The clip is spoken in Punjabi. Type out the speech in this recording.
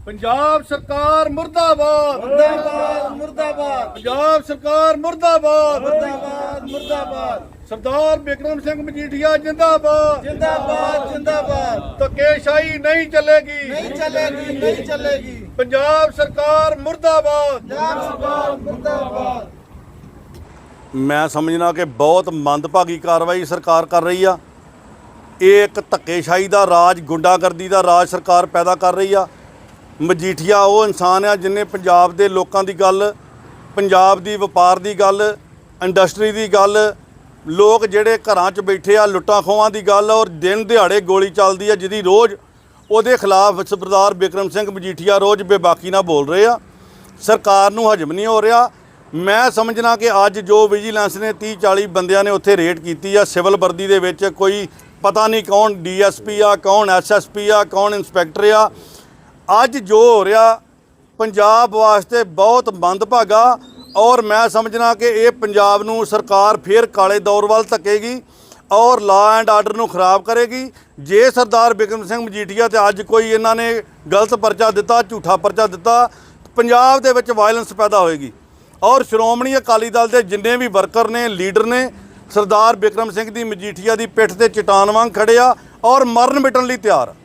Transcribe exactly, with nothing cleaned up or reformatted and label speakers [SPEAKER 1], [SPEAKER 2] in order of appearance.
[SPEAKER 1] पंजाब सरकार मुर्दाबाद
[SPEAKER 2] मुर्दाबाद मुर्दाबाद
[SPEAKER 1] पंजाब सरकार मुर्दाबाद
[SPEAKER 2] मुर्दाबाद मुर्दाबाद
[SPEAKER 1] सरदार बिक्रम सिंह मजीठिया जिंदाबाद
[SPEAKER 2] जिंदाबाद जिंदाबाद
[SPEAKER 1] धक्केशाही नहीं चलेगी
[SPEAKER 2] नहीं चलेगी नहीं चलेगी
[SPEAKER 1] पंजाब सरकार मुर्दाबाद
[SPEAKER 2] पंजाब सरकार मुर्दाबाद।
[SPEAKER 3] मैं समझना कि बहुत मंदभागी कार्रवाई सरकार कर रही आ। ਇਹ ਇੱਕ ਧੱਕੇਸ਼ਾਹੀ ਦਾ ਰਾਜ, ਗੁੰਡਾਗਰਦੀ ਦਾ ਰਾਜ ਸਰਕਾਰ ਪੈਦਾ ਕਰ ਰਹੀ ਆ। ਮਜੀਠੀਆ ਉਹ ਇਨਸਾਨ ਆ ਜਿਹਨੇ ਪੰਜਾਬ ਦੇ ਲੋਕਾਂ ਦੀ ਗੱਲ, ਪੰਜਾਬ ਦੀ ਵਪਾਰ ਦੀ ਗੱਲ, ਇੰਡਸਟਰੀ ਦੀ ਗੱਲ, ਲੋਕ ਜਿਹੜੇ ਘਰਾਂ 'ਚ ਬੈਠੇ ਆ ਲੁੱਟਾਂ ਖੋਹਾਂ ਦੀ ਗੱਲ, ਔਰ ਦਿਨ ਦਿਹਾੜੇ ਗੋਲੀ ਚੱਲਦੀ ਆ ਜਿਹਦੀ ਰੋਜ਼ ਉਹਦੇ ਖਿਲਾਫ ਸਰਦਾਰ ਬਿਕਰਮ ਸਿੰਘ ਮਜੀਠੀਆ ਰੋਜ਼ ਬੇਬਾਕੀ ਨਾਲ ਬੋਲ ਰਹੇ ਆ। ਸਰਕਾਰ ਨੂੰ ਹਜਮ ਨਹੀਂ ਹੋ ਰਿਹਾ। ਮੈਂ ਸਮਝਣਾ ਕਿ ਅੱਜ ਜੋ ਵਿਜੀਲੈਂਸ ਨੇ तीस चालीस ਬੰਦਿਆਂ ਨੇ ਉੱਥੇ ਰੇਡ ਕੀਤੀ ਆ ਸਿਵਲ ਵਰਦੀ ਦੇ ਵਿੱਚ, ਕੋਈ ਪਤਾ ਨਹੀਂ ਕੌਣ ਡੀ ਐਸ ਪੀ ਆ, ਕੌਣ ਐਸ ਐਸ ਪੀ ਆ, ਕੌਣ ਇੰਸਪੈਕਟਰ ਆ। ਅੱਜ ਜੋ ਹੋ ਰਿਹਾ ਪੰਜਾਬ ਵਾਸਤੇ ਬਹੁਤ ਮੰਦਭਾਗਾ, ਔਰ ਮੈਂ ਸਮਝਣਾ ਕਿ ਇਹ ਪੰਜਾਬ ਨੂੰ ਸਰਕਾਰ ਫਿਰ ਕਾਲੇ ਦੌਰ ਵੱਲ ਧੱਕੇਗੀ ਔਰ ਲਾ ਐਂਡ ਆਰਡਰ ਨੂੰ ਖਰਾਬ ਕਰੇਗੀ। ਜੇ ਸਰਦਾਰ ਬਿਕਰਮ ਸਿੰਘ ਮਜੀਠੀਆ ਤੇ ਅੱਜ ਕੋਈ ਇਹਨਾਂ ਨੇ ਗਲਤ ਪਰਚਾ ਦਿੱਤਾ, ਝੂਠਾ ਪਰਚਾ ਦਿੱਤਾ, ਪੰਜਾਬ ਦੇ ਵਿੱਚ ਵਾਇਲੈਂਸ ਪੈਦਾ ਹੋਏਗੀ। ਔਰ ਸ਼੍ਰੋਮਣੀ ਅਕਾਲੀ ਦਲ ਦੇ ਜਿੰਨੇ ਵੀ ਵਰਕਰ ਨੇ, ਲੀਡਰ ਨੇ, ਸਰਦਾਰ ਬਿਕਰਮ ਸਿੰਘ ਦੀ ਮਜੀਠੀਆ ਦੀ ਪਿੱਠ ਤੇ ਚਟਾਨ ਵਾਂਗ ਖੜੇ ਆ ਔਰ ਮਰਨ ਮਿਟਣ ਲਈ ਤਿਆਰ।